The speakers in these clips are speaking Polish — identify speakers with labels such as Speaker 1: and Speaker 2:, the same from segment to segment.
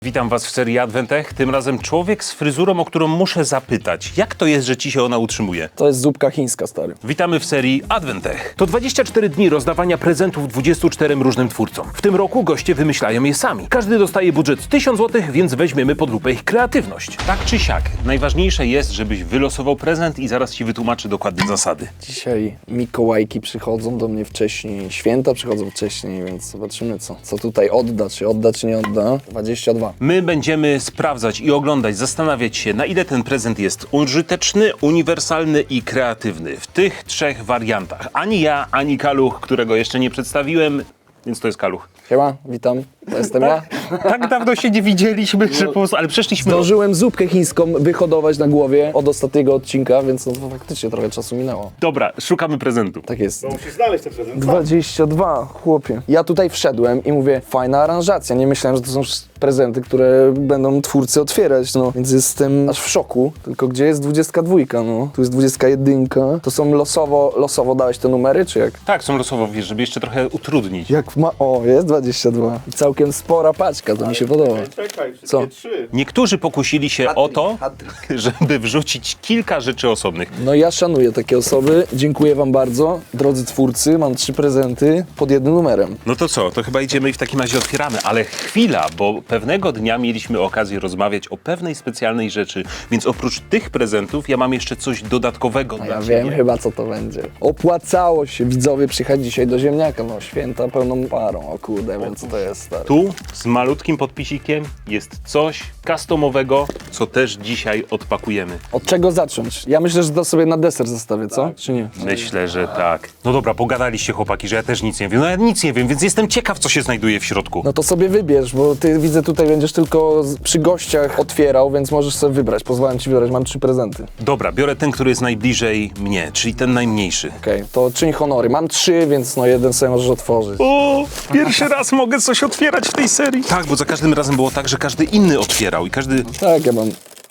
Speaker 1: Witam Was w serii Adwentech. Tym razem człowiek z fryzurą, o którą muszę zapytać. Jak to jest, że Ci się ona utrzymuje?
Speaker 2: To jest zupka chińska, stary.
Speaker 1: Witamy w serii Adwentech. To 24 dni rozdawania prezentów 24 różnym twórcom. W tym roku goście wymyślają je sami. Każdy dostaje budżet 1000 zł, więc weźmiemy pod lupę ich kreatywność. Tak czy siak, najważniejsze jest, żebyś wylosował prezent i zaraz Ci wytłumaczę dokładnie zasady.
Speaker 2: Dzisiaj Mikołajki przychodzą do mnie wcześniej, święta przychodzą wcześniej, więc zobaczymy co tutaj odda, czy nie odda. 22.
Speaker 1: My będziemy sprawdzać i oglądać, zastanawiać się, na ile ten prezent jest użyteczny, uniwersalny i kreatywny. W tych trzech wariantach. Ani ja, ani Kaluch, którego jeszcze nie przedstawiłem, więc to jest Kaluch.
Speaker 2: Siema, witam, to jestem ja.
Speaker 1: Tak dawno się nie widzieliśmy, że po prostu, ale przeszliśmy...
Speaker 2: Zdążyłem zupkę chińską wyhodować na głowie od ostatniego odcinka, więc no to faktycznie trochę czasu minęło.
Speaker 1: Dobra, szukamy prezentu.
Speaker 2: Tak jest.
Speaker 3: No musisz znaleźć ten prezent.
Speaker 2: 22, chłopie. Ja tutaj wszedłem i mówię, fajna aranżacja. Nie myślałem, że to są prezenty, które będą twórcy otwierać, no. Więc jestem aż w szoku. Tylko gdzie jest 22, no? Tu jest 21. To są losowo dałeś te numery, czy jak?
Speaker 1: Tak, są losowo, wiesz, żeby jeszcze trochę utrudnić.
Speaker 2: Jak ma... O, jest 22. I całkiem spora paczka, to mi się podoba.
Speaker 3: Czekaj, wszystkie
Speaker 2: Co?
Speaker 3: 3.
Speaker 1: Niektórzy pokusili się o to,
Speaker 2: hat-trick.
Speaker 1: żeby wrzucić kilka rzeczy osobnych.
Speaker 2: No ja szanuję takie osoby. Dziękuję wam bardzo. Drodzy twórcy, mam 3 prezenty pod jednym numerem.
Speaker 1: No to co, to chyba idziemy i w takim razie otwieramy, ale chwila, bo pewnego dnia mieliśmy okazję rozmawiać o pewnej specjalnej rzeczy, więc oprócz tych prezentów ja mam jeszcze coś dodatkowego
Speaker 2: A
Speaker 1: dla
Speaker 2: ja
Speaker 1: ciebie.
Speaker 2: wiem chyba co to będzie. Opłacało się widzowie przyjechać dzisiaj do ziemniaka. No święta pełną parą. O kurde, wiem co to jest, stary.
Speaker 1: Tu z malutkim podpisikiem jest coś customowego, co też dzisiaj odpakujemy.
Speaker 2: Od czego zacząć? Ja myślę, że to sobie na deser zostawię, co? Czy nie?
Speaker 1: Myślę, że tak. No dobra, pogadaliście chłopaki, że ja też nic nie wiem. No ja nic nie wiem, więc jestem ciekaw, co się znajduje w środku.
Speaker 2: No to sobie wybierz, bo ty widzę tutaj będziesz tylko przy gościach otwierał, więc możesz sobie wybrać. Pozwalam ci wybrać, mam 3 prezenty.
Speaker 1: Dobra, biorę ten, który jest najbliżej mnie, czyli ten najmniejszy.
Speaker 2: Okej, to czyń honory. Mam 3, więc no jeden sobie możesz otworzyć.
Speaker 1: O, pierwszy raz mogę coś otwierać w tej serii. Tak, bo za każdym razem było tak, że każdy inny otwierał i każdy...
Speaker 2: Tak, ja mam...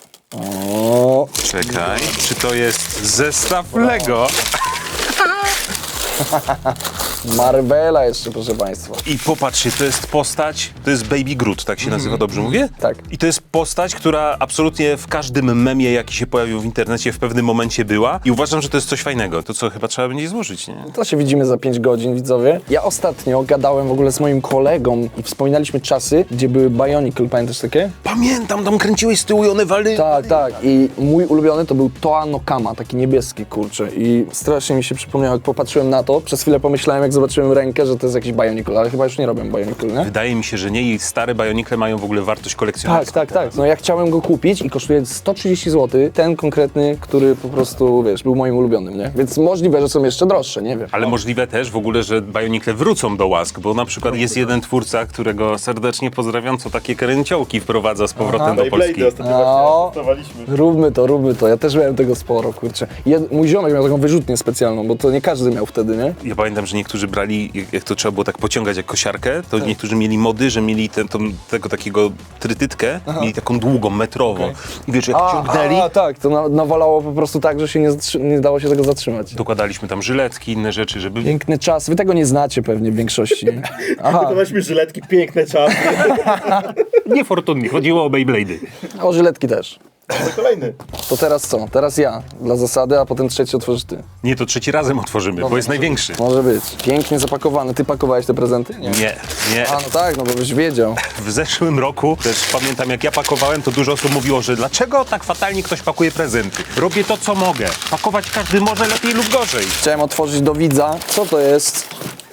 Speaker 2: O,
Speaker 1: Czekaj, czy to jest zestaw Lego?
Speaker 2: Marvela jeszcze, proszę państwa.
Speaker 1: I popatrzcie, to jest postać, to jest Baby Groot, tak się nazywa, dobrze mówię?
Speaker 2: Tak.
Speaker 1: I to jest postać, która absolutnie w każdym memie, jaki się pojawił w internecie, w pewnym momencie była. I uważam, że to jest coś fajnego. To co, chyba trzeba będzie złożyć, nie?
Speaker 2: To się widzimy za 5 godzin, widzowie. Ja ostatnio gadałem w ogóle z moim kolegą i wspominaliśmy czasy, gdzie były Bionicle, pamiętasz takie?
Speaker 1: Pamiętam, tam kręciłeś z tyłu i one wali.
Speaker 2: Tak, tak. I mój ulubiony to był Toa no Kama, taki niebieski, kurczę. I strasznie mi się przypomniało, jak popatrzyłem na to. Przez chwilę pomyślałem, jak zobaczyłem rękę, że to jest jakiś Bionicle, ale chyba już nie robią Bionicle, nie?
Speaker 1: Wydaje mi się, że nie i stare Bionicle mają w ogóle wartość kolekcjonerską.
Speaker 2: Tak. No ja chciałem go kupić i kosztuje 130 zł. Ten konkretny, który po prostu, wiesz, był moim ulubionym, nie? Więc możliwe, że są jeszcze droższe, nie wiem.
Speaker 1: Ale możliwe też w ogóle, że Bionicle wrócą do łask, bo na przykład jest jeden twórca, którego serdecznie pozdrawiam, co takie kręciołki wprowadza z powrotem do Polski.
Speaker 3: Beyblade ostatnio
Speaker 2: No.
Speaker 3: właśnie testowaliśmy.
Speaker 2: Róbmy to. Ja też miałem tego sporo, kurczę. Mój ziomek miał taką wyrzutnię specjalną, bo to nie każdy miał wtedy, nie?
Speaker 1: Ja pamiętam, że niektórzy brali, jak to trzeba było tak pociągać jak kosiarkę, to niektórzy mieli mody, że mieli tego takiego trytytkę, mieli taką długą, metrową. I wiesz, jak ciągnęli,
Speaker 2: Tak, to nawalało po prostu tak, że się nie dało się tego zatrzymać.
Speaker 1: dokładaliśmy tam żyletki, inne rzeczy, żeby...
Speaker 2: Piękny czas. Wy tego nie znacie pewnie w większości. Aha,
Speaker 3: Gotowaliśmy żyletki, piękne czasy.
Speaker 1: Niefortunnie, chodziło o Beyblade'y.
Speaker 2: o żyletki też.
Speaker 3: To kolejny.
Speaker 2: To teraz co? Teraz ja, dla zasady, a potem trzeci otworzysz ty.
Speaker 1: Nie, to trzeci razem otworzymy, bo jest największy.
Speaker 2: Może być. Pięknie zapakowany. Ty pakowałeś te prezenty?
Speaker 1: Nie.
Speaker 2: A, no tak, no bo byś wiedział.
Speaker 1: W zeszłym roku też pamiętam, jak ja pakowałem, to dużo osób mówiło, że dlaczego tak fatalnie ktoś pakuje prezenty? Robię to, co mogę. Pakować każdy może lepiej lub gorzej.
Speaker 2: Chciałem otworzyć do widza. Co to jest?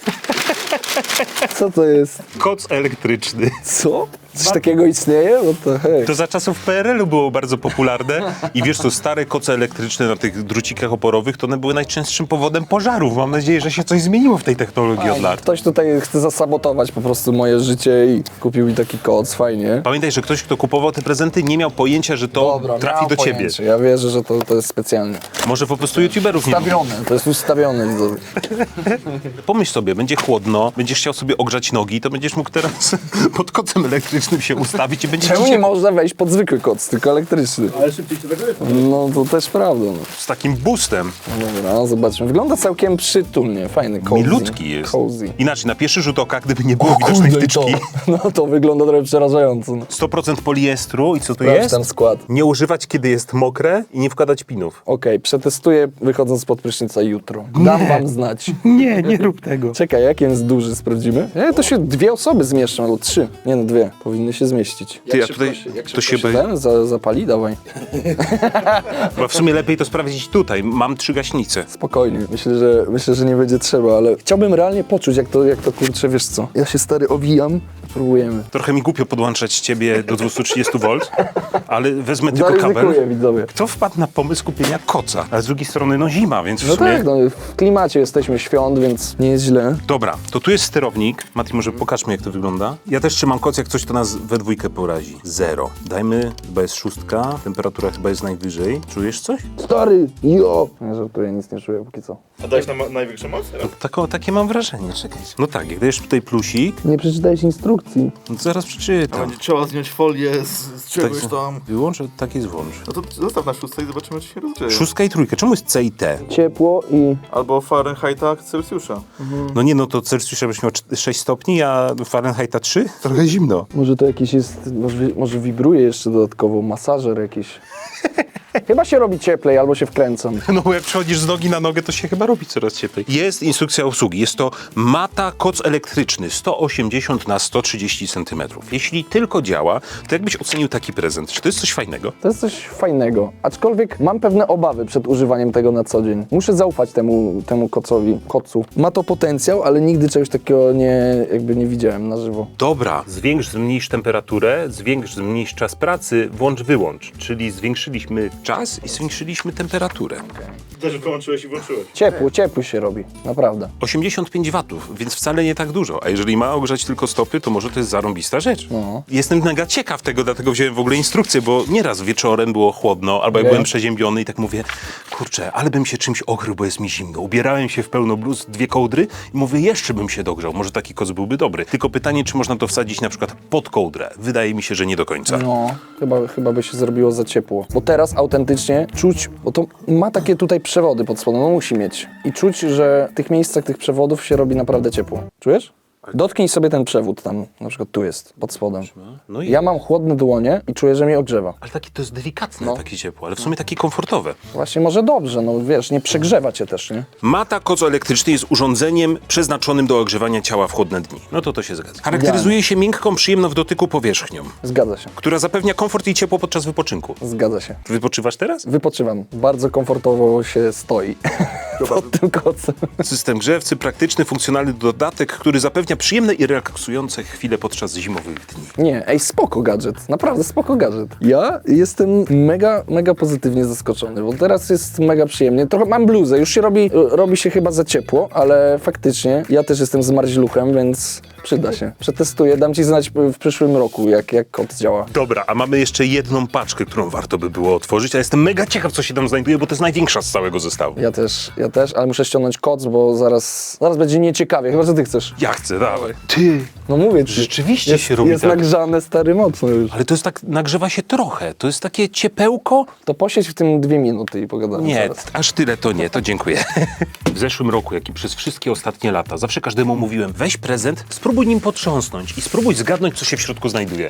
Speaker 2: Co to jest?
Speaker 1: Koc elektryczny.
Speaker 2: Co? Coś takiego istnieje? No to hej.
Speaker 1: To za czasów PRL-u było bardzo popularne i wiesz co, stare koce elektryczne na tych drucikach oporowych, to one były najczęstszym powodem pożarów. Mam nadzieję, że się coś zmieniło w tej technologii od lat.
Speaker 2: Ktoś tutaj chce zasabotować po prostu moje życie i kupił mi taki koc, fajnie.
Speaker 1: Pamiętaj, że ktoś, kto kupował te prezenty, nie miał pojęcia, że to trafi
Speaker 2: miałem
Speaker 1: do ciebie.
Speaker 2: pojęcie. Ja wierzę, że to jest specjalnie.
Speaker 1: Może po prostu youtuberów nie lubi.
Speaker 2: Ustawione, to jest ustawione, widzowie.
Speaker 1: Pomyśl sobie, będzie chłodno, będziesz chciał sobie ogrzać nogi, to będziesz mógł teraz pod kocem elektrycznym się ustawić i będziesz
Speaker 2: Czemu
Speaker 1: ci
Speaker 2: nie
Speaker 1: się
Speaker 2: można wejść pod zwykły koc, tylko elektryczny?
Speaker 3: Ale szybciej się zagrzeje.
Speaker 2: No to też prawda. No.
Speaker 1: z takim boostem.
Speaker 2: Dobra, no zobaczmy. Wygląda całkiem przytulnie, fajny, cozy.
Speaker 1: Milutki jest.
Speaker 2: Cozy.
Speaker 1: Inaczej, na pierwszy rzut oka, gdyby nie było widocznej wtyczki,
Speaker 2: No to wygląda trochę przerażająco. No.
Speaker 1: 100% poliestru i co tu
Speaker 2: Sprawdź
Speaker 1: jest?
Speaker 2: ten skład.
Speaker 1: Nie używać, kiedy jest mokre i nie wkładać pinów.
Speaker 2: Okej, przetestuję wychodząc spod prysznica jutro. Dam wam znać.
Speaker 1: Nie rób tego.
Speaker 2: Czekaj, jak jest duży, sprawdzimy? To się 2 osoby zmieszczą, albo 3. Nie no, 2. Powinny się zmieścić.
Speaker 1: Ty, ja tutaj, to się boję.
Speaker 2: Ten zapali? Dawaj.
Speaker 1: Bo w sumie lepiej to sprawdzić tutaj. Mam 3 gaśnice.
Speaker 2: Spokojnie, myślę, że nie będzie trzeba, ale chciałbym realnie poczuć, jak to kurczę, wiesz co. Ja się stary owijam, spróbujemy.
Speaker 1: Trochę mi głupio podłączać ciebie do 230 V, ale wezmę tylko kabel.
Speaker 2: Zaryzykuję, widzowie.
Speaker 1: Kto wpadł na pomysł kupienia koca? A z drugiej strony, no zima, więc w
Speaker 2: No
Speaker 1: sumie...
Speaker 2: tak, no w klimacie jesteśmy świąt, więc nie jest źle.
Speaker 1: Dobra, to tu jest sterownik. Mati, może pokażmy, jak to wygląda. Ja też trzymam koc, jak coś to nas we dwójkę porazi. 0. Dajmy, chyba jest 6, temperatura chyba jest najwyżej. Czujesz coś?
Speaker 2: Stary, jo! Nie żartuję, nic nie czuję póki co.
Speaker 3: A dałeś nam największą moc?
Speaker 1: Takie mam wrażenie, czekaj. No tak, jak dajesz tutaj plusik,
Speaker 2: Nie przeczytałeś instrukcji.
Speaker 1: no to zaraz przeczytam.
Speaker 3: Będzie trzeba zdjąć folię z czegoś tam.
Speaker 1: Wyłącz, a tak jest włącz.
Speaker 3: No to zostaw na 6 i zobaczymy, czy się rozgrzeje.
Speaker 1: 6 i 3. Czemu jest C i T?
Speaker 2: Ciepło i...
Speaker 3: Albo Fahrenheita, Celsjusza.
Speaker 1: No nie, no to Celsjusza byś miał 6 stopni, a Fahrenheita 3? Trochę zimno.
Speaker 2: Może to jakiś jest... Może wibruje jeszcze dodatkowo, masażer jakiś. Chyba się robi cieplej, albo się wkręcam.
Speaker 1: No bo jak przechodzisz z nogi na nogę, to się chyba robi coraz cieplej. Jest instrukcja obsługi. Jest to Mata koc elektryczny 180 na 130 cm. Jeśli tylko działa, to jakbyś ocenił taki prezent? Czy to jest coś fajnego?
Speaker 2: To jest coś fajnego, aczkolwiek mam pewne obawy przed używaniem tego na co dzień. Muszę zaufać temu kocu. Ma to potencjał, ale nigdy czegoś takiego nie widziałem na żywo.
Speaker 1: Dobra, zwiększ, zmniejsz temperaturę, zwiększ, zmniejsz czas pracy, włącz, wyłącz. Czyli zwiększyliśmy czas i zwiększyliśmy temperaturę.
Speaker 3: Też wyłączyłeś i włączyłeś.
Speaker 2: Ciepło się robi, naprawdę.
Speaker 1: 85 watów, więc wcale nie tak dużo. A jeżeli ma ogrzać tylko stopy, to może to jest zarąbista rzecz.
Speaker 2: No.
Speaker 1: Jestem mega ciekaw tego, dlatego wziąłem w ogóle instrukcję, bo nieraz wieczorem było chłodno, albo jak
Speaker 2: Okej.
Speaker 1: byłem przeziębiony i tak mówię, kurczę, ale bym się czymś okrył, bo jest mi zimno. Ubierałem się w pełno bluz, 2 kołdry i mówię, jeszcze bym się dogrzał. Może taki koc byłby dobry. Tylko pytanie, czy można to wsadzić na przykład pod kołdrę. Wydaje mi się, że nie do końca.
Speaker 2: No, chyba by się zrobiło za ciepło. Bo teraz autentycznie czuć, bo to ma takie tutaj przewody pod spodem, no musi mieć. I czuć, że w tych miejscach tych przewodów się robi naprawdę ciepło. Czujesz? Dotknij sobie ten przewód tam, na przykład tu jest, pod spodem.
Speaker 1: No i
Speaker 2: Ja mam chłodne dłonie i czuję, że mnie ogrzewa.
Speaker 1: Ale takie to jest delikatne,
Speaker 2: No.
Speaker 1: takie ciepło, ale w sumie takie komfortowe.
Speaker 2: Właśnie może dobrze, no wiesz, nie przegrzewa cię też, nie?
Speaker 1: Mata koc elektryczny jest urządzeniem przeznaczonym do ogrzewania ciała w chłodne dni. No to się zgadza. Charakteryzuje się miękką, przyjemną w dotyku powierzchnią,
Speaker 2: Zgadza się,
Speaker 1: która zapewnia komfort i ciepło podczas wypoczynku.
Speaker 2: zgadza się.
Speaker 1: Wypoczywasz teraz?
Speaker 2: Wypoczywam. Bardzo komfortowo się stoi pod tym kocem.
Speaker 1: System grzewcy, praktyczny, funkcjonalny dodatek, który zapewnia przyjemne i relaksujące chwile podczas zimowych dni.
Speaker 2: Nie, spoko gadżet, naprawdę spoko gadżet. Ja jestem mega pozytywnie zaskoczony, bo teraz jest mega przyjemnie. Trochę mam bluzę, już się robi się chyba za ciepło, ale faktycznie ja też jestem zmarzluchem, więc przyda się. Przetestuję, dam ci znać w przyszłym roku, jak kod działa.
Speaker 1: Dobra, a mamy jeszcze jedną paczkę, którą warto by było otworzyć, a jestem mega ciekaw, co się tam znajduje, bo to jest największa z całego zestawu.
Speaker 2: Ja też, ale muszę ściągnąć koc, bo zaraz będzie nieciekawie, chyba że ty chcesz.
Speaker 1: Ja chcę, dawaj. Ty,
Speaker 2: No mówię ci.
Speaker 1: Rzeczywiście się robi
Speaker 2: Jest
Speaker 1: tak.
Speaker 2: nagrzane stary mocno już.
Speaker 1: ale to jest tak, nagrzewa się trochę, to jest takie ciepełko.
Speaker 2: To posiedź w tym 2 minuty i pogadamy
Speaker 1: Nie,
Speaker 2: zaraz.
Speaker 1: aż tyle to nie, to dziękuję. W zeszłym roku, jak i przez wszystkie ostatnie lata, zawsze każdemu mówiłem, weź prezent, spróbuj nim potrząsnąć i spróbuj zgadnąć, co się w środku znajduje.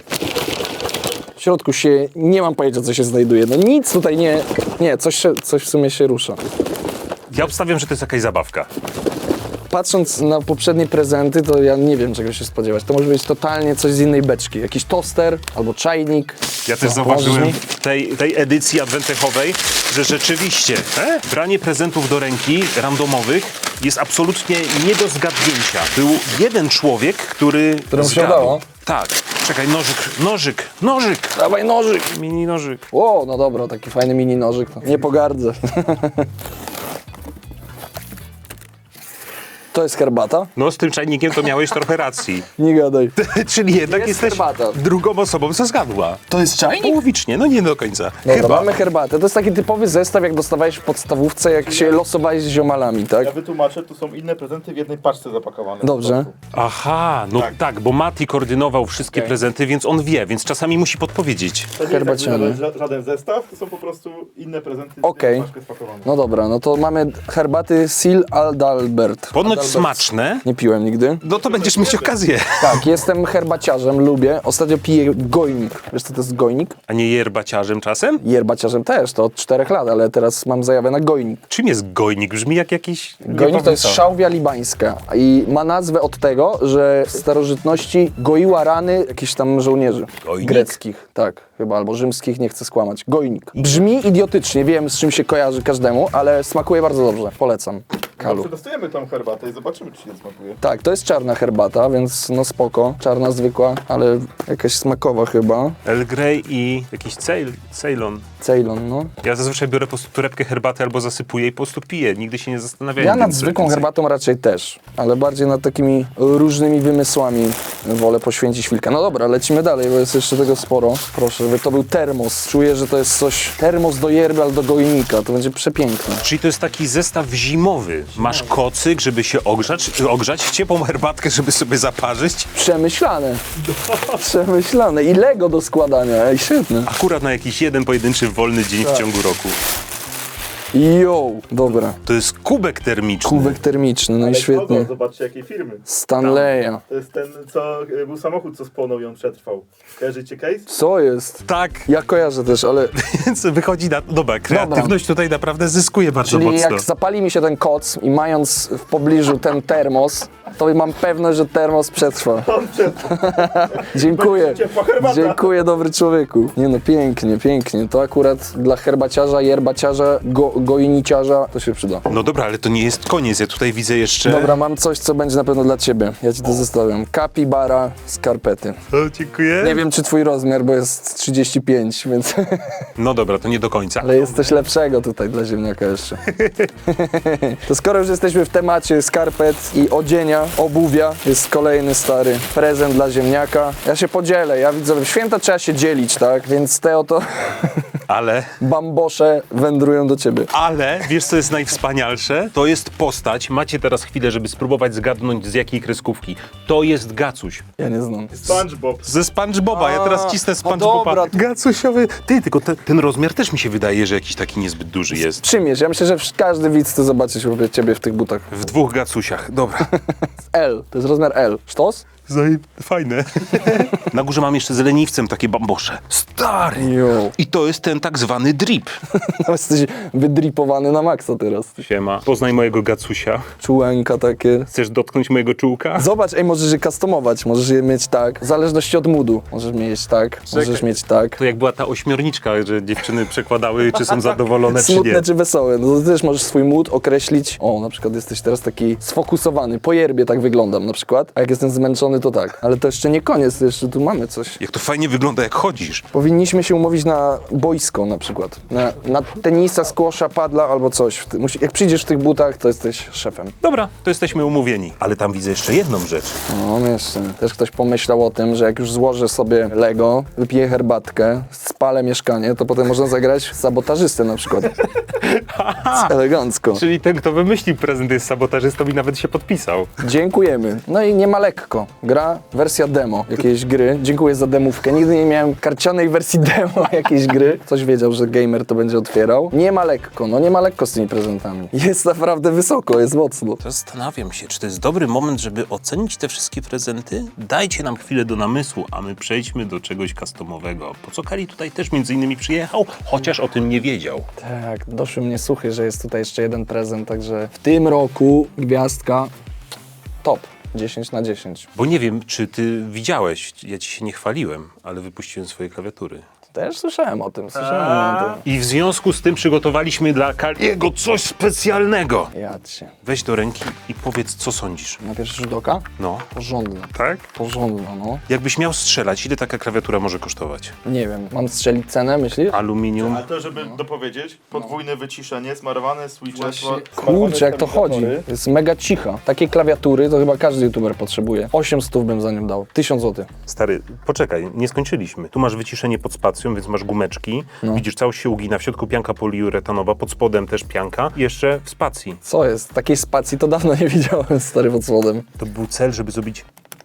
Speaker 2: W środku nie mam pojęcia, co się znajduje. No nic tutaj nie, coś w sumie się rusza.
Speaker 1: Ja obstawiam, że to jest jakaś zabawka.
Speaker 2: Patrząc na poprzednie prezenty, to ja nie wiem, czego się spodziewać. To może być totalnie coś z innej beczki. Jakiś toster albo czajnik.
Speaker 1: Ja też
Speaker 2: No,
Speaker 1: zauważyłem
Speaker 2: możesz mi?
Speaker 1: w tej edycji adwentechowej, że rzeczywiście branie prezentów do ręki randomowych jest absolutnie nie do zgadnięcia. Był jeden człowiek, który
Speaker 2: Któremu się
Speaker 1: zgadł.
Speaker 2: udało?
Speaker 1: Tak. Czekaj, nożyk.
Speaker 2: Dawaj nożyk!
Speaker 1: Mini nożyk.
Speaker 2: O, no dobra, taki fajny mini nożyk. To nie pogardzę. To jest herbata?
Speaker 1: No z tym czajnikiem to miałeś trochę racji.
Speaker 2: Nie gadaj.
Speaker 1: Czyli jednak
Speaker 2: Jest
Speaker 1: jesteś
Speaker 2: herbata.
Speaker 1: drugą osobą, co zgadła.
Speaker 2: To jest czajnik?
Speaker 1: Połowicznie, no nie do końca.
Speaker 2: Dobra,
Speaker 1: Chyba.
Speaker 2: mamy herbatę. To jest taki typowy zestaw, jak dostawałeś w podstawówce, jak się losowałeś z ziomalami, tak?
Speaker 3: Ja wytłumaczę, tu są inne prezenty w jednej paczce zapakowane.
Speaker 2: Dobrze.
Speaker 1: Aha, no tak, bo Mati koordynował wszystkie prezenty, więc on wie, więc czasami musi podpowiedzieć.
Speaker 3: To nie
Speaker 2: Herbaciany.
Speaker 3: jest jakby żaden zestaw, to są po prostu inne prezenty w
Speaker 2: Okej.
Speaker 3: jednej paczce spakowane.
Speaker 2: No dobra, no to mamy herbaty Sil Adalbert.
Speaker 1: Ponoć smaczne,
Speaker 2: Nie piłem nigdy.
Speaker 1: no to będziesz mieć okazję.
Speaker 2: Tak, jestem herbaciarzem, lubię. Ostatnio piję gojnik. Wiesz co to jest gojnik?
Speaker 1: A nie yerbaciarzem czasem?
Speaker 2: Herbaciarzem też, to od 4 lat, ale teraz mam zajawę na gojnik.
Speaker 1: Czym jest gojnik? Brzmi jak jakiś...
Speaker 2: Gojnik to jest szałwia libańska i ma nazwę od tego, że w starożytności goiła rany jakichś tam żołnierzy.
Speaker 1: Gojnik?
Speaker 2: Greckich, tak, chyba, albo rzymskich, nie chcę skłamać. Gojnik. Brzmi idiotycznie, wiem z czym się kojarzy każdemu, ale smakuje bardzo dobrze. Polecam. Kalu.
Speaker 3: Przetestujemy tą herbatę i zobaczymy, czy się smakuje.
Speaker 2: Tak, to jest czarna herbata, więc no spoko. Czarna zwykła, ale jakaś smakowa chyba.
Speaker 1: Earl Grey i jakiś Ceylon.
Speaker 2: Ceylon, no.
Speaker 1: Ja zazwyczaj biorę po prostu torebkę herbaty albo zasypuję i po prostu piję. Nigdy się nie zastanawiałem.
Speaker 2: Ja
Speaker 1: nad
Speaker 2: nad
Speaker 1: tym, co
Speaker 2: zwykłą
Speaker 1: więcej.
Speaker 2: herbatą raczej też, ale bardziej nad takimi różnymi wymysłami wolę poświęcić chwilkę. No dobra, lecimy dalej, bo jest jeszcze tego sporo. Proszę, żeby to był termos. Czuję, że to jest coś, termos do yerby albo do gojnika, to będzie przepiękne.
Speaker 1: Czyli to jest taki zestaw zimowy. Masz kocyk, żeby się ogrzać, ciepłą herbatkę, żeby sobie zaparzyć.
Speaker 2: Przemyślane. Przemyślane. I Lego do składania, ej, świetne.
Speaker 1: Akurat na jakiś jeden pojedynczy wolny dzień w ciągu roku.
Speaker 2: Jo, dobra.
Speaker 1: To jest kubek termiczny.
Speaker 2: Kubek termiczny, no i świetnie.
Speaker 3: Zobaczcie, jakiej firmy.
Speaker 2: Stanleya.
Speaker 3: To jest ten, co był samochód, co spłonął i on przetrwał. Kojarzycie case?
Speaker 2: Co jest?
Speaker 1: Tak,
Speaker 2: Ja kojarzę też, ale
Speaker 1: więc wychodzi na... Dobra, kreatywność tutaj naprawdę zyskuje bardzo
Speaker 2: czyli
Speaker 1: mocno.
Speaker 2: jak zapali mi się ten koc i mając w pobliżu ten termos, to mam pewność, że termos przetrwa. Dziękuję.
Speaker 3: Ciepła herbata.
Speaker 2: Dziękuję, dobry człowieku. Nie no, pięknie, pięknie. To akurat dla herbaciarza, yerbaciarza, gojniciarza to się przyda.
Speaker 1: No dobra, ale to nie jest koniec. Ja tutaj widzę jeszcze...
Speaker 2: Dobra, mam coś, co będzie na pewno dla ciebie. Ja ci to zostawiam. Capybara skarpety.
Speaker 1: O, dziękuję.
Speaker 2: Nie wiem, czy twój rozmiar, bo jest 35, więc...
Speaker 1: No dobra, to nie do końca.
Speaker 2: Ale jest coś lepszego tutaj dla ziemniaka jeszcze. To skoro już jesteśmy w temacie skarpet i odzienia, obuwia, jest kolejny stary prezent dla ziemniaka. Ja się podzielę, ja widzę, w święta trzeba się dzielić, tak? Więc te oto
Speaker 1: Ale...
Speaker 2: bambosze wędrują do ciebie.
Speaker 1: Ale, wiesz co jest najwspanialsze? To jest postać, macie teraz chwilę, żeby spróbować zgadnąć z jakiej kreskówki. To jest Gacuś.
Speaker 2: Ja nie znam.
Speaker 3: SpongeBob.
Speaker 1: Ze SpongeBoba, ja teraz cisnę
Speaker 2: no
Speaker 1: SpongeBoba.
Speaker 2: dobra.
Speaker 1: Gacusiowy. Ty, tylko ten rozmiar też mi się wydaje, że jakiś taki niezbyt duży jest.
Speaker 2: Przymierz, ja myślę, że każdy widz chce zobaczyć ciebie w tych butach.
Speaker 1: W dwóch Gacusiach, dobra.
Speaker 2: L, to jest rozmiar L. Sztos?
Speaker 1: Fajne. Na górze mam jeszcze z leniwcem takie bambosze. Stary!
Speaker 2: Jo.
Speaker 1: I to jest ten tak zwany drip.
Speaker 2: No, jesteś wydripowany na maksa teraz.
Speaker 1: Siema, poznaj mojego Gacusia.
Speaker 2: Czułenka takie.
Speaker 1: Chcesz dotknąć mojego czułka?
Speaker 2: Zobacz, możesz je customować, możesz je mieć tak, w zależności od moodu. Możesz mieć tak, możesz mieć tak.
Speaker 1: To jak była ta ośmiorniczka, że dziewczyny przekładały, czy są zadowolone, czy nie.
Speaker 2: Smutne czy wesołe, no to też możesz swój mood określić. O, na przykład jesteś teraz taki sfokusowany, po yerbie tak wyglądam na przykład, a jak jestem zmęczony to tak. Ale to jeszcze nie koniec, to jeszcze tu mamy coś.
Speaker 1: Jak to fajnie wygląda, jak chodzisz.
Speaker 2: Powinniśmy się umówić na boisko na przykład, na tenisa, squasha, padla albo coś. Jak przyjdziesz w tych butach, to jesteś szefem.
Speaker 1: Dobra, to jesteśmy umówieni. Ale tam widzę jeszcze jedną rzecz.
Speaker 2: No jeszcze, też ktoś pomyślał o tym, że jak już złożę sobie Lego, wypiję herbatkę, spalę mieszkanie, to potem można zagrać sabotażystę na przykład. Elegancko.
Speaker 1: Czyli ten, kto wymyślił prezent, jest sabotażystą i nawet się podpisał.
Speaker 2: Dziękujemy. No i nie ma lekko. Gra, wersja demo jakiejś gry. Dziękuję za demówkę. Nigdy nie miałem karcianej wersji demo jakiejś gry. Ktoś wiedział, że gamer to będzie otwierał. Nie ma lekko, no nie ma lekko z tymi prezentami. Jest naprawdę wysoko, jest mocno.
Speaker 1: Zastanawiam się, czy to jest dobry moment, żeby ocenić te wszystkie prezenty? Dajcie nam chwilę do namysłu, a my przejdźmy do czegoś customowego. Po co Kali tutaj też między innymi przyjechał, chociaż o tym nie wiedział.
Speaker 2: Tak, doszły mnie słuchy, że jest tutaj jeszcze jeden prezent, także w tym roku gwiazdka top. 10 na 10.
Speaker 1: Bo nie wiem, czy ty widziałeś, ja ci się nie chwaliłem, ale wypuściłem swoje klawiatury.
Speaker 2: Też słyszałem o tym.
Speaker 1: I w związku z tym przygotowaliśmy dla Kaliego coś specjalnego.
Speaker 2: Jadźcie.
Speaker 1: Weź do ręki i powiedz, co sądzisz.
Speaker 2: Na pierwszy rzut oka?
Speaker 1: No.
Speaker 2: Porządna.
Speaker 1: Tak?
Speaker 2: Porządna, no.
Speaker 1: Jakbyś miał strzelać, ile taka klawiatura może kosztować?
Speaker 2: Nie wiem, mam strzelić cenę, myślisz?
Speaker 1: Aluminium.
Speaker 3: A to, żeby dopowiedzieć, podwójne wyciszenie, smarowane switche,
Speaker 2: Kurczę, jak to chodzi. Jest mega cicha. Takie klawiatury to chyba każdy youtuber potrzebuje. 800 bym za nią dał. 1000 zł.
Speaker 1: Stary, poczekaj, nie skończyliśmy. Tu masz wyciszenie pod spacją, więc masz gumeczki. Widzisz, całość się ugina, w środku pianka poliuretanowa, pod spodem też pianka. I jeszcze w spacji.
Speaker 2: Co jest? Takiej spacji to dawno nie widziałem, stary, pod spodem.
Speaker 1: To był cel, żeby zrobić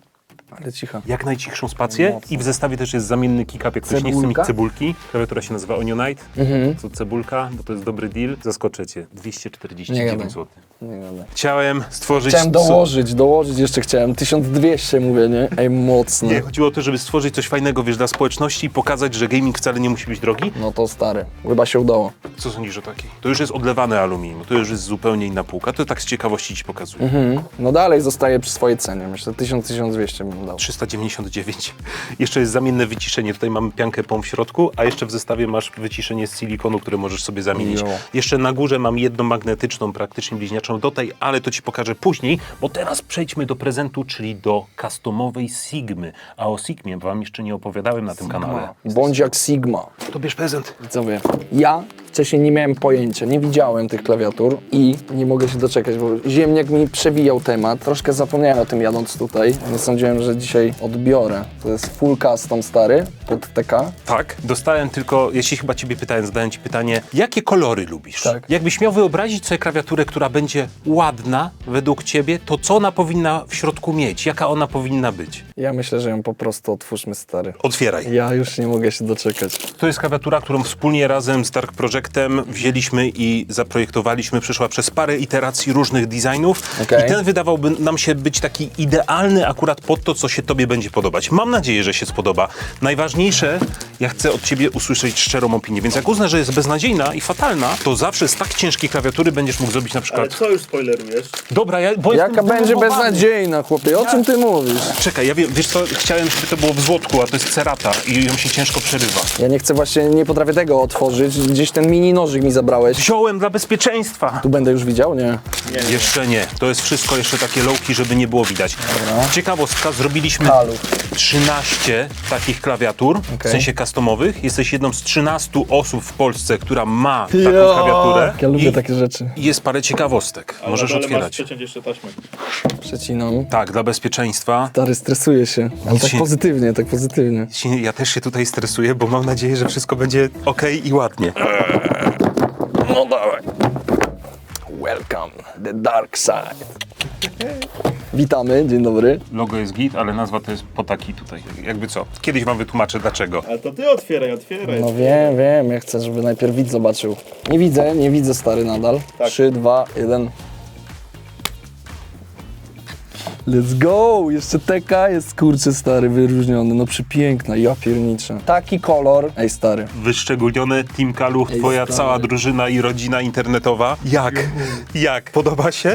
Speaker 2: Ale cicha.
Speaker 1: jak najcichszą spację.
Speaker 2: Mocno.
Speaker 1: I w zestawie też jest zamienny kick-up, jak ktoś nie chce mieć
Speaker 2: Cebulka?
Speaker 1: cebulki. Klawiatura się nazywa Onionite. To cebulka, bo to jest dobry deal. Zaskoczę cię.
Speaker 2: Nie
Speaker 1: 249
Speaker 2: gadaj.
Speaker 1: zł.
Speaker 2: Nie gadaj.
Speaker 1: Chciałem stworzyć...
Speaker 2: Chciałem dołożyć jeszcze chciałem. 1200 mówię, nie? Ej, mocno.
Speaker 1: Nie, chodziło o to, żeby stworzyć coś fajnego, wiesz, dla społeczności i pokazać, że gaming wcale nie musi być drogi.
Speaker 2: No to stary. Chyba się udało.
Speaker 1: Co sądzisz o takiej? To już jest odlewane aluminium, to już jest zupełnie inna półka. To tak z ciekawości ci pokazuję.
Speaker 2: No dalej zostaje przy swojej cenie. Myślę, 1200 bym dał.
Speaker 1: 399. Jeszcze jest zamienne wyciszenie. Tutaj mamy piankę POM w środku, a jeszcze w zestawie masz wyciszenie z silikonu, które możesz sobie zamienić.
Speaker 2: Jo.
Speaker 1: Jeszcze na górze mam jedną magnetyczną, praktycznie bliźniaczą do tej, ale to ci pokażę później, bo teraz przejdźmy do prezentu, czyli do customowej Sigmy. A o Sigmie wam jeszcze nie opowiadałem na tym kanale.
Speaker 2: Bądź jak Sigma.
Speaker 1: To bierz prezent.
Speaker 2: Widzowie, ja wcześniej nie miałem pojęcia, nie widziałem tych klawiatur i nie mogę się doczekać, bo ziemniak mi przewijał temat. Troszkę zapomniałem o tym jadąc tutaj. Nie sądziłem, że dzisiaj odbiorę. To jest full custom stary pod TK.
Speaker 1: Tak, dostałem tylko, jeśli chyba ciebie pytałem, zadałem ci pytanie, jakie kolory lubisz?
Speaker 2: Tak.
Speaker 1: Jakbyś miał wyobrazić sobie klawiaturę, która będzie ładna według ciebie, to co ona powinna w środku mieć? Jaka ona powinna być?
Speaker 2: Ja myślę, że ją po prostu otwórzmy, stary.
Speaker 1: Otwieraj.
Speaker 2: Ja już nie mogę się doczekać.
Speaker 1: To jest klawiatura, którą wspólnie razem z Dark Projectem wzięliśmy i zaprojektowaliśmy. Przeszła przez parę iteracji różnych designów
Speaker 2: Okej.
Speaker 1: i ten wydawałby nam się być taki idealny akurat pod to, co się tobie będzie podobać. Mam nadzieję, że się spodoba. Najważniejsze, ja chcę od ciebie usłyszeć szczerą opinię, więc jak uznasz, że jest beznadziejna i fatalna, to zawsze z tak ciężkiej klawiatury będziesz mógł zrobić na
Speaker 3: Ale
Speaker 1: przykład...
Speaker 3: co już spoilerujesz?
Speaker 1: Dobra, bo
Speaker 2: Jaka
Speaker 1: jestem
Speaker 2: będzie
Speaker 1: zdenerwowany.
Speaker 2: beznadziejna, chłopie? O czym ty mówisz?
Speaker 1: Czekaj, ja wiem, wiesz co, chciałem, żeby to było w złotku, a to jest cerata i ją się ciężko przerywa.
Speaker 2: Ja nie chcę właśnie, nie potrafię tego otworzyć. Gdzieś ten mini nożyk mi zabrałeś.
Speaker 1: Wziąłem dla bezpieczeństwa.
Speaker 2: Tu będę już widział? Nie.
Speaker 1: Jeszcze nie. To jest wszystko jeszcze takie lowki, żeby nie było widać. Ciekawostka, zrobiliśmy
Speaker 2: Halu.
Speaker 1: 13 takich klawiatur, w
Speaker 2: Okej.
Speaker 1: sensie customowych. Jesteś jedną z 13 osób w Polsce, która ma taką klawiaturę.
Speaker 2: Ja lubię
Speaker 1: I
Speaker 2: takie rzeczy.
Speaker 1: jest parę ciekawostek. Możesz
Speaker 3: Ale masz
Speaker 1: otwierać.
Speaker 3: przeciąć jeszcze taśmę.
Speaker 2: Przecinam.
Speaker 1: Tak, dla bezpieczeństwa.
Speaker 2: Stary, stresuję się. Ale tak
Speaker 1: się-
Speaker 2: pozytywnie, tak pozytywnie.
Speaker 1: Ja też się tutaj stresuję, bo mam nadzieję, że wszystko będzie okej i ładnie.
Speaker 2: No dawaj. Welcome, the dark side. Witamy, dzień dobry.
Speaker 1: Logo jest git, ale nazwa to jest potaki tutaj. Jakby co? Kiedyś wam wytłumaczę dlaczego.
Speaker 3: Ale to ty otwieraj.
Speaker 2: No wiem, ja chcę, żeby najpierw widz zobaczył. Nie widzę stary nadal.
Speaker 3: Tak.
Speaker 2: 3, 2, 1. Let's go! Jeszcze TK jest kurczę stary, wyróżniony, no przepiękna, ja pierniczę. Taki kolor. Ej stary.
Speaker 1: Wyszczególnione Team Kaluch,
Speaker 2: Ej,
Speaker 1: twoja
Speaker 2: stary.
Speaker 1: cała drużyna i rodzina internetowa. Jak? Podoba się?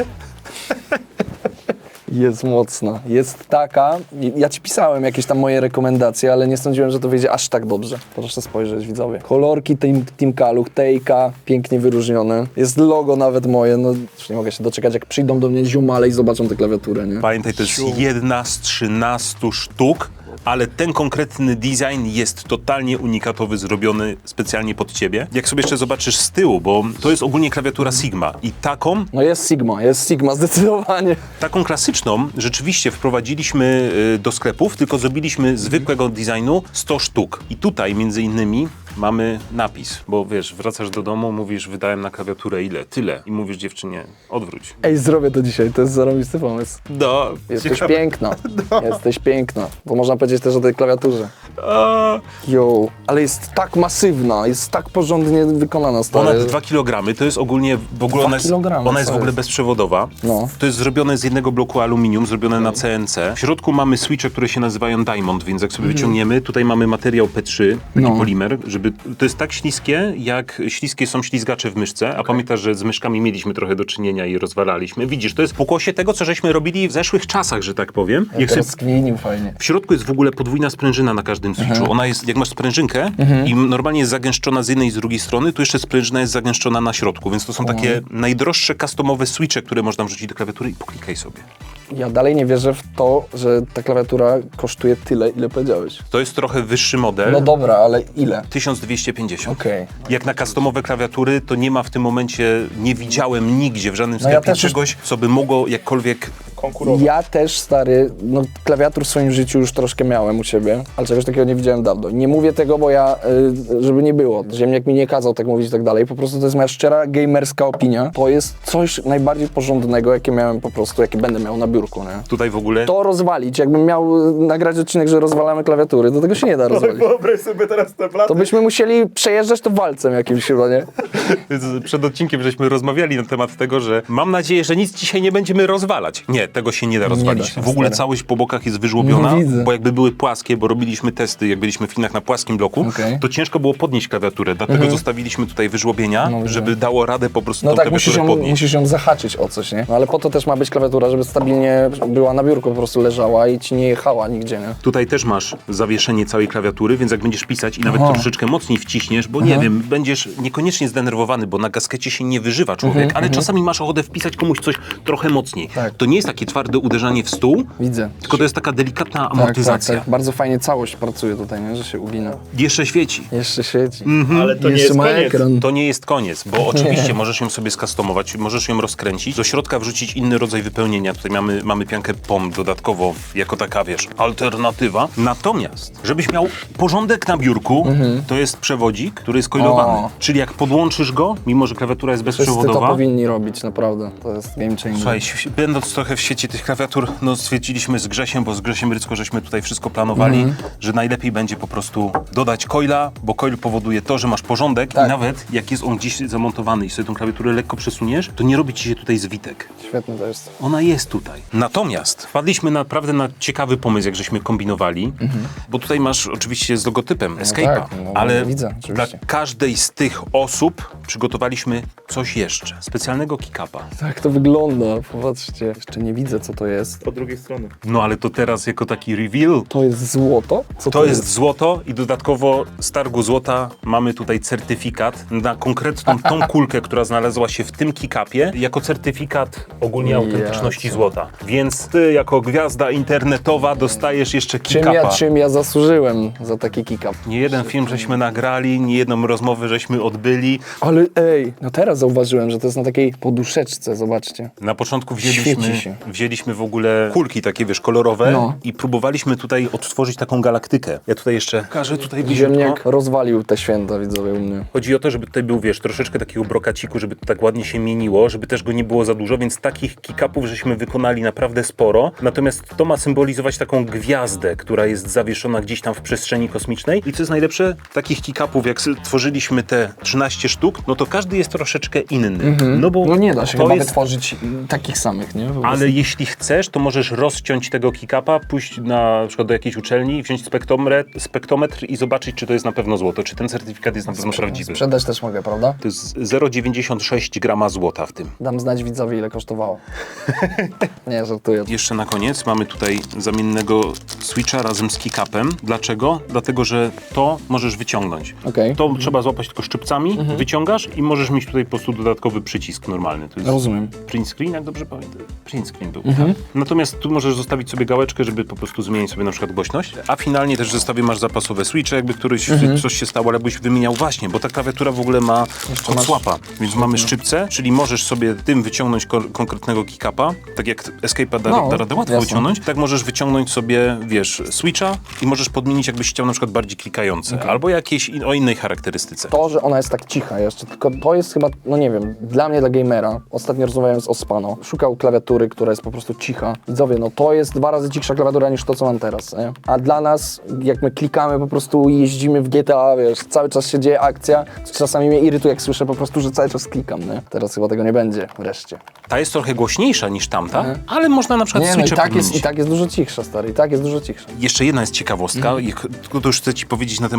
Speaker 2: Jest mocna. Jest taka. Ja ci pisałem jakieś tam moje rekomendacje, ale nie sądziłem, że to wyjdzie aż tak dobrze. Proszę spojrzeć, widzowie. Kolorki Team Kaluch, Tejka, pięknie wyróżnione. Jest logo nawet moje, no już nie mogę się doczekać, jak przyjdą do mnie ziomale i zobaczą tę klawiaturę, nie?
Speaker 1: Pamiętaj, to jest jedna z 13 sztuk, ale ten konkretny design jest totalnie unikatowy, zrobiony specjalnie pod ciebie. Jak sobie jeszcze zobaczysz z tyłu, bo to jest ogólnie klawiatura Sigma i
Speaker 2: No jest Sigma zdecydowanie.
Speaker 1: taką klasyczną rzeczywiście wprowadziliśmy do sklepów, tylko zrobiliśmy zwykłego designu 100 sztuk. I tutaj między innymi mamy napis, bo wiesz, wracasz do domu, mówisz, wydałem na klawiaturę ile? Tyle. I mówisz dziewczynie, odwróć.
Speaker 2: Ej, zrobię to dzisiaj, to jest zarobisty pomysł.
Speaker 1: No,
Speaker 2: Jesteś piękna, jesteś piękna. Bo można powiedzieć też o tej klawiaturze. Yo, ale jest tak masywna, jest tak porządnie wykonana, stary.
Speaker 1: Ponad 2 kg, to jest ogólnie, w ogóle
Speaker 2: 2
Speaker 1: ona jest,
Speaker 2: kilogramy,
Speaker 1: ona jest w
Speaker 2: co
Speaker 1: ogóle
Speaker 2: jest?
Speaker 1: bezprzewodowa.
Speaker 2: No.
Speaker 1: To jest zrobione z jednego bloku aluminium, zrobione na CNC. W środku mamy switche, które się nazywają Diamond, więc jak sobie wyciągniemy, tutaj mamy materiał P3, taki
Speaker 2: No.
Speaker 1: polimer, żeby żeby... To jest tak śliskie, jak śliskie są ślizgacze w myszce, a pamiętasz, że z myszkami mieliśmy trochę do czynienia i rozwalaliśmy. Widzisz, to jest pokłosie tego, co żeśmy robili w zeszłych czasach, że tak powiem. Jak sobie...
Speaker 2: Rozkminił fajnie.
Speaker 1: W środku jest w ogóle podwójna sprężyna na każdym switchu. Ona jest, jak masz sprężynkę i normalnie jest zagęszczona z jednej i z drugiej strony, tu jeszcze sprężyna jest zagęszczona na środku, więc to są takie najdroższe customowe switche, które można wrzucić do klawiatury i poklikaj sobie.
Speaker 2: Ja dalej nie wierzę w to, że ta klawiatura kosztuje tyle, ile powiedziałeś.
Speaker 1: To jest trochę wyższy model.
Speaker 2: No dobra, ale ile?
Speaker 1: 1250.
Speaker 2: Okej.
Speaker 1: Jak na customowe klawiatury, to nie ma w tym momencie, nie widziałem nigdzie w żadnym
Speaker 2: No ja
Speaker 1: sklepie
Speaker 2: też już-
Speaker 1: czegoś, co by mogło jakkolwiek...
Speaker 3: Konkurować.
Speaker 2: Ja też, stary, no klawiatur w swoim życiu już troszkę miałem u siebie, ale czegoś takiego nie widziałem dawno. Nie mówię tego, bo ja, żeby nie było, ziemniak mi nie kazał tak mówić i tak dalej, po prostu to jest moja szczera gamerska opinia. To jest coś najbardziej porządnego, jakie miałem po prostu, jakie będę miał na biurku, nie?
Speaker 1: Tutaj w ogóle...
Speaker 2: To rozwalić, jakbym miał nagrać odcinek, że rozwalamy klawiatury, to tego się nie da rozwalić.
Speaker 3: Wyobraź sobie teraz te platy.
Speaker 2: To byśmy musieli przejeżdżać to walcem jakimś chyba, nie?
Speaker 1: Przed odcinkiem żeśmy rozmawiali na temat tego, że mam nadzieję, że nic dzisiaj nie będziemy rozwalać. Nie, tego się nie da rozwalić.
Speaker 2: się,
Speaker 1: w ogóle
Speaker 2: stary.
Speaker 1: całość po bokach jest wyżłobiona,
Speaker 2: No, widzę.
Speaker 1: bo jakby były płaskie, bo robiliśmy testy, jak byliśmy w Chinach na płaskim bloku,
Speaker 2: Okej.
Speaker 1: to ciężko było podnieść klawiaturę, dlatego zostawiliśmy tutaj wyżłobienia,
Speaker 2: No, widzę.
Speaker 1: żeby dało radę po prostu
Speaker 2: No
Speaker 1: tą
Speaker 2: tak,
Speaker 1: klawiaturę podnieść.
Speaker 2: musisz ją zahaczyć o coś, nie? No ale po to też ma być klawiatura, żeby stabilnie była na biurku, po prostu leżała i ci nie jechała nigdzie, nie?
Speaker 1: Tutaj też masz zawieszenie całej klawiatury, więc jak będziesz pisać i nawet troszeczkę mocniej wciśniesz, bo nie wiem, będziesz niekoniecznie zdenerwowany, bo na gaskecie się nie wyżywa człowiek, ale czasami masz ochotę wpisać komuś coś trochę mocniej.
Speaker 2: Tak.
Speaker 1: To nie jest takie twarde uderzanie w stół,
Speaker 2: Widzę.
Speaker 1: tylko to jest taka delikatna
Speaker 2: Tak,
Speaker 1: amortyzacja.
Speaker 2: tak, tak. Bardzo fajnie całość pracuje tutaj, nie? Że się ugina.
Speaker 1: Jeszcze świeci.
Speaker 2: Jeszcze świeci.
Speaker 3: Ale to nie
Speaker 2: Jeszcze
Speaker 3: jest
Speaker 2: ma
Speaker 3: koniec.
Speaker 2: ekran.
Speaker 1: To nie jest koniec, bo oczywiście możesz ją sobie skustomować, możesz ją rozkręcić, do środka wrzucić inny rodzaj wypełnienia. Tutaj mamy piankę POM dodatkowo, jako taka, wiesz, alternatywa. Natomiast, żebyś miał porządek na biurku, to jest przewodzik, który jest coilowany.
Speaker 2: O.
Speaker 1: Czyli jak podłączysz go, mimo że klawiatura jest
Speaker 2: Wszyscy to
Speaker 1: bezprzewodowa,
Speaker 2: powinni robić, naprawdę. To jest game changer.
Speaker 1: słuchaj, będąc trochę w świecie tych klawiatur, no stwierdziliśmy z Grzesiem, bo z Grzesiem Rycko żeśmy tutaj wszystko planowali, że najlepiej będzie po prostu dodać coila, bo coil powoduje to, że masz porządek
Speaker 2: Tak.
Speaker 1: i nawet jak jest on gdzieś zamontowany i sobie tą klawiaturę lekko przesuniesz, to nie robi ci się tutaj zwitek.
Speaker 2: Świetne to jest.
Speaker 1: Ona jest tutaj. Natomiast wpadliśmy naprawdę na ciekawy pomysł, jak żeśmy kombinowali, bo tutaj masz oczywiście z logotypem Escape'a,
Speaker 2: tak, no,
Speaker 1: ale
Speaker 2: widzę,
Speaker 1: dla
Speaker 2: oczywiście.
Speaker 1: każdej z tych osób przygotowaliśmy coś jeszcze. Specjalnego kick-upa.
Speaker 2: Tak to wygląda, popatrzcie. Jeszcze nie widzę, co to jest.
Speaker 3: Po drugiej stronie.
Speaker 1: No ale to teraz jako taki reveal.
Speaker 2: To jest złoto? Co
Speaker 1: To jest złoto i dodatkowo z targu złota mamy tutaj certyfikat na konkretną tą kulkę, która znalazła się w tym kick-upie, jako certyfikat ogólnie autentyczności
Speaker 2: Jacie.
Speaker 1: złota. Więc ty jako gwiazda internetowa dostajesz jeszcze kick-upa.
Speaker 2: Czym ja zasłużyłem za taki kick-up?
Speaker 1: Nie jeden film żeśmy nagrali, nie jedną rozmowę żeśmy odbyli.
Speaker 2: Ale ej, no teraz zauważyłem, że to jest na takiej poduszeczce, zobaczcie.
Speaker 1: Na początku
Speaker 2: Świeci się.
Speaker 1: wzięliśmy w ogóle kulki takie, wiesz, kolorowe
Speaker 2: No.
Speaker 1: i próbowaliśmy tutaj odtworzyć taką galaktykę. Ja tutaj jeszcze pokażę tutaj
Speaker 2: Ziemniak
Speaker 1: bliziutko.
Speaker 2: rozwalił te święta, widzowie, u mnie.
Speaker 1: Chodzi o to, żeby tutaj był, wiesz, troszeczkę takiego brokaciku, żeby to tak ładnie się mieniło, żeby też go nie było za dużo, więc takich kick-upów żeśmy wykonali naprawdę sporo. Natomiast to ma symbolizować taką gwiazdę, która jest zawieszona gdzieś tam w przestrzeni kosmicznej. I co jest najlepsze, takich kick-upów, jak tworzyliśmy te 13 sztuk, no to każdy jest troszeczkę inny. No bo
Speaker 2: No nie da się
Speaker 1: to
Speaker 2: chyba
Speaker 1: jest...
Speaker 2: wytworzyć takich samych, nie? Po prostu.
Speaker 1: Ale jeśli chcesz, to możesz rozciąć tego kick-upa, pójść na przykład do jakiejś uczelni, wziąć spektrometr i zobaczyć, czy to jest na pewno złoto, czy ten certyfikat jest na pewno prawdziwy.
Speaker 2: Sprzedać też mogę, prawda?
Speaker 1: To jest 0,96 grama złota w tym.
Speaker 2: Dam znać widzowi, ile kosztowało. Nie, żartuję.
Speaker 1: Jeszcze na koniec mamy tutaj zamiennego switcha razem z kick-upem. Dlaczego? Dlatego, że to możesz wyciągnąć.
Speaker 2: Okej.
Speaker 1: To trzeba złapać tylko szczypcami, wyciągasz i możesz mieć tutaj po prostu dodatkowy przycisk normalny. To jest
Speaker 2: Rozumiem.
Speaker 1: print screen, jak dobrze pamiętam. Print screen był. Tak? Natomiast tu możesz zostawić sobie gałeczkę, żeby po prostu zmienić sobie na przykład głośność. A finalnie też w zestawie masz zapasowe switche, jakby coś się stało, ale byś wymieniał właśnie, bo ta klawiatura w ogóle ma hot swapa, więc mamy szczypce, czyli możesz sobie tym wyciągnąć konkretnego kick-upa, tak jak Escape'a da radę łatwo
Speaker 2: jasne.
Speaker 1: wyciągnąć, tak możesz wyciągnąć sobie, wiesz, switcha i możesz podmienić, jakbyś chciał na przykład bardziej klikające, albo jakieś o innej charakterystyce.
Speaker 2: To, że ona jest tak cicha jeszcze, tylko to jest chyba, no nie wiem, dla mnie, dla gamera, ostatnio rozmawiałem z Ospano, szukał klawiatury, która jest po prostu cicha. Widzowie, no to jest 2 razy cichsza klawiatura niż to, co mam teraz, nie? A dla nas, jak my klikamy po prostu i jeździmy w GTA, wiesz, cały czas się dzieje akcja, czasami mnie irytuje, jak słyszę po prostu, że cały czas klikam, nie? Teraz chyba tego nie będzie, wreszcie.
Speaker 1: Ta jest trochę głośniejsza niż tamta, ale można na przykład
Speaker 2: Nie, no
Speaker 1: switche podmienić.
Speaker 2: i tak jest dużo cichsza, stary, i tak jest dużo cichsza.
Speaker 1: Jeszcze jedna jest ciekawostka, tylko to już chcę ci powiedzieć na temat tych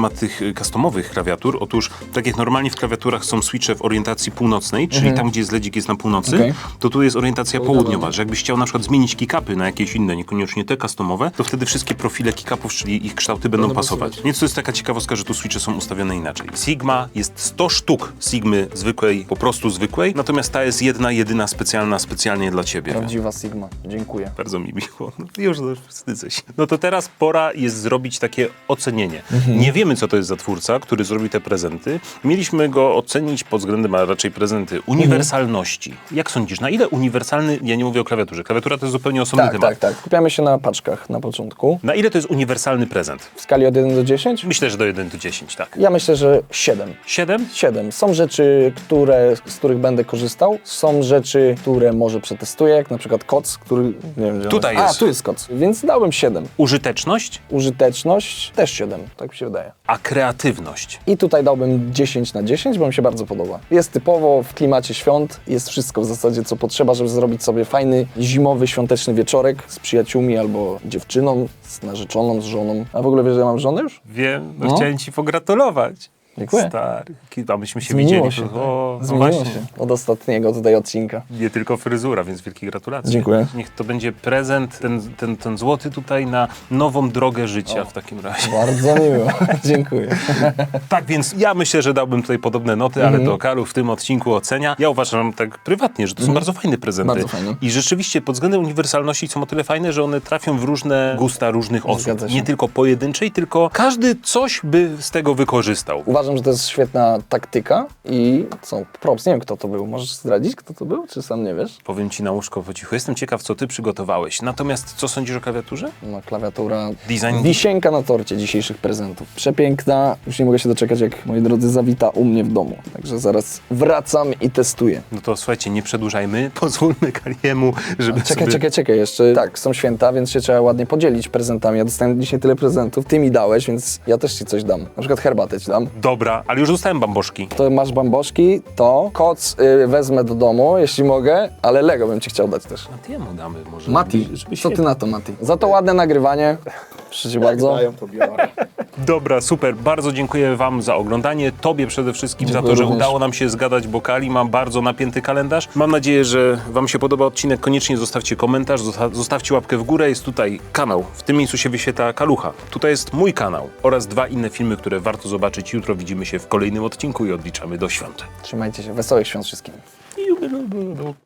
Speaker 1: customowych klawiatur. Otóż, tak jak normalnie w klawiaturach są switche w orientacji północnej, czyli tam, gdzie jest LEDzik jest na północy,
Speaker 2: Okej.
Speaker 1: to tu jest orientacja południowa, że jakbyś chciał na przykład zmienić kickupy na jakieś inne, niekoniecznie te customowe, to wtedy wszystkie profile kickupów, czyli ich kształty będą pasować. Więc to jest taka ciekawostka, że tu switche są ustawione inaczej. Sigma jest 100 sztuk Sigmy zwykłej, po prostu zwykłej, natomiast ta jest jedna, jedyna, specjalna, specjalnie dla ciebie.
Speaker 2: Prawdziwa Sigma. Dziękuję.
Speaker 1: Bardzo mi miło. No, już wstydzę się. No to teraz pora jest zrobić takie ocenienie. Nie wiemy, co to jest za twórca, który zrobił te prezenty. Mieliśmy go ocenić pod względem, a raczej prezenty, uniwersalności. Jak sądzisz, na ile uniwersalny, ja nie mówię o klawiaturze, klawiatura to jest zupełnie osobny temat.
Speaker 2: Tak. Kupiamy się na paczkach na początku.
Speaker 1: Na ile to jest uniwersalny prezent?
Speaker 2: W skali od 1 do 10?
Speaker 1: Myślę, że do 1 do 10, tak.
Speaker 2: Ja myślę, że 7.
Speaker 1: 7?
Speaker 2: 7. Są rzeczy, z których będę korzystał. Są rzeczy, które może przetestuję, jak na przykład koc, który... Nie wiem, gdzie
Speaker 1: Tutaj
Speaker 2: on
Speaker 1: jest.
Speaker 2: A, tu jest koc. Więc dałem 7.
Speaker 1: Użyteczność,
Speaker 2: Użyteczność też 7, tak mi się wydaje.
Speaker 1: a kreatywność.
Speaker 2: I tutaj dałbym 10 na 10, bo mi się bardzo podoba. Jest typowo w klimacie świąt, jest wszystko w zasadzie, co potrzeba, żeby zrobić sobie fajny, zimowy, świąteczny wieczorek z przyjaciółmi albo dziewczyną, z narzeczoną, z żoną. A w ogóle wiesz, że ja mam żonę już?
Speaker 1: Wiem,
Speaker 2: No.
Speaker 1: chciałem ci pogratulować.
Speaker 2: Dziękuję.
Speaker 1: Stary, a myśmy się
Speaker 2: Zmieniło
Speaker 1: widzieli.
Speaker 2: się.
Speaker 1: No
Speaker 2: Zmieniło
Speaker 1: właśnie.
Speaker 2: się od ostatniego tutaj odcinka.
Speaker 1: Nie tylko fryzura, więc wielkie gratulacje.
Speaker 2: Dziękuję.
Speaker 1: Niech to będzie prezent, ten złoty tutaj na nową drogę życia w takim razie.
Speaker 2: Bardzo miło. Dziękuję.
Speaker 1: Tak, więc ja myślę, że dałbym tutaj podobne noty, ale to Kalu w tym odcinku ocenia. Ja uważam tak prywatnie, że to są bardzo fajne prezenty.
Speaker 2: Bardzo fajne.
Speaker 1: I rzeczywiście pod względem uniwersalności są o tyle fajne, że one trafią w różne gusta różnych osób.
Speaker 2: Zgadza się.
Speaker 1: Nie tylko pojedynczej, tylko każdy coś by z tego wykorzystał.
Speaker 2: Uważam, że to jest świetna taktyka i co, props, nie wiem kto to był. Możesz zdradzić, kto to był, czy sam nie wiesz?
Speaker 1: Powiem ci na łóżko po cichu. Jestem ciekaw, co ty przygotowałeś. Natomiast co sądzisz o klawiaturze?
Speaker 2: No, klawiatura,
Speaker 1: Design-
Speaker 2: wisienka na torcie dzisiejszych prezentów. Przepiękna, już nie mogę się doczekać, jak moi drodzy zawita u mnie w domu. Także zaraz wracam i testuję.
Speaker 1: No to słuchajcie, nie przedłużajmy. Pozwólmy Kaliemu, żeby
Speaker 2: Czekaj, jeszcze tak, są święta, więc się trzeba ładnie podzielić prezentami. Ja dostałem dzisiaj tyle prezentów, ty mi dałeś, więc ja też ci coś dam. Na przykład herbatę ci dam.
Speaker 1: Dobra, ale już dostałem bamboszki.
Speaker 2: To masz bamboszki, to koc wezmę do domu, jeśli mogę, ale Lego bym ci chciał dać też.
Speaker 1: Matiemu damy może.
Speaker 2: Mati,
Speaker 1: żeby
Speaker 2: co ty na to, Mati? Za to ładne nagrywanie. Proszę cię bardzo.
Speaker 3: Dają to biorę.
Speaker 1: Dobra, super. Bardzo dziękuję wam za oglądanie. Tobie przede wszystkim za
Speaker 2: Dziękuję
Speaker 1: to, że
Speaker 2: również.
Speaker 1: udało nam się zgadać, bo Kali ma bardzo napięty kalendarz. Mam nadzieję, że wam się podoba odcinek. Koniecznie zostawcie komentarz, zostawcie łapkę w górę. Jest tutaj kanał. W tym miejscu się wyświetla Kalucha. Tutaj jest mój kanał oraz 2 inne filmy, które warto zobaczyć. Jutro widzimy się w kolejnym odcinku i odliczamy do świąt.
Speaker 2: Trzymajcie się, wesołych świąt wszystkim.